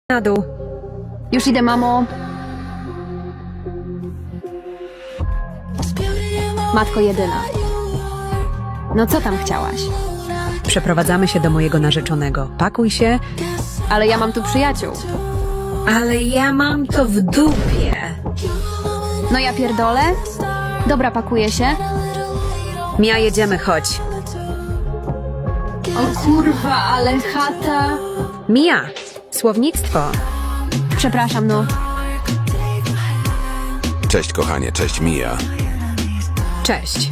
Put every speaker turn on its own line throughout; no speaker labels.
Na dół.
Już idę, mamo. Matko jedyna. No co tam chciałaś?
Przeprowadzamy się do mojego narzeczonego. Pakuj się.
Ale ja mam tu przyjaciół.
Ale ja mam to w dupie.
No ja pierdolę? Dobra, pakuję się.
Mia, jedziemy, chodź.
O kurwa, ale chata.
Mia, słownictwo.
Przepraszam, no.
Cześć kochanie, cześć Mia.
Cześć.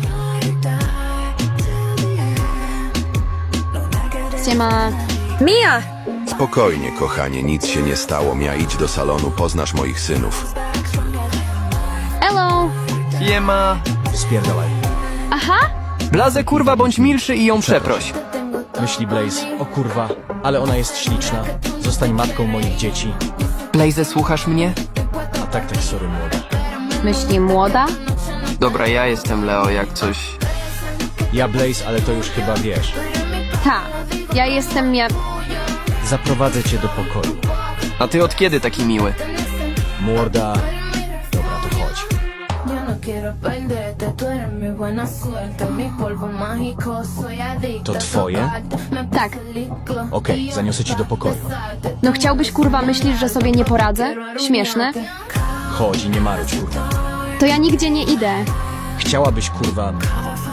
Siema.
Mia!
Spokojnie kochanie, nic się nie stało. Mia, idź do salonu, poznasz moich synów.
Hello.
Siema.
Spierdalaj.
Aha.
Blazę kurwa bądź milszy i ją przeproś.
Myśli Blaze, o kurwa, ale ona jest śliczna. Zostań matką moich dzieci.
Blaze, słuchasz mnie?
A tak, sorry młoda.
Myśli młoda?
Dobra, ja jestem Leo, jak coś...
Ja Blaze, ale to już chyba wiesz.
Ta. Ja jestem
Zaprowadzę cię do pokoju.
A ty od kiedy taki miły?
Młoda... Dobra, to chodź.
Yo no quiero perderte, tú eres mi buena suerte, mi polvo mágico, soy adicta.
To twoje?
Tak.
Okej, zaniosę ci do pokoju.
No chciałbyś, kurwa, myślisz, że sobie nie poradzę? Śmieszne.
Chodź i nie marudź, kurwa.
To ja nigdzie nie idę.
Chciałabyś, kurwa...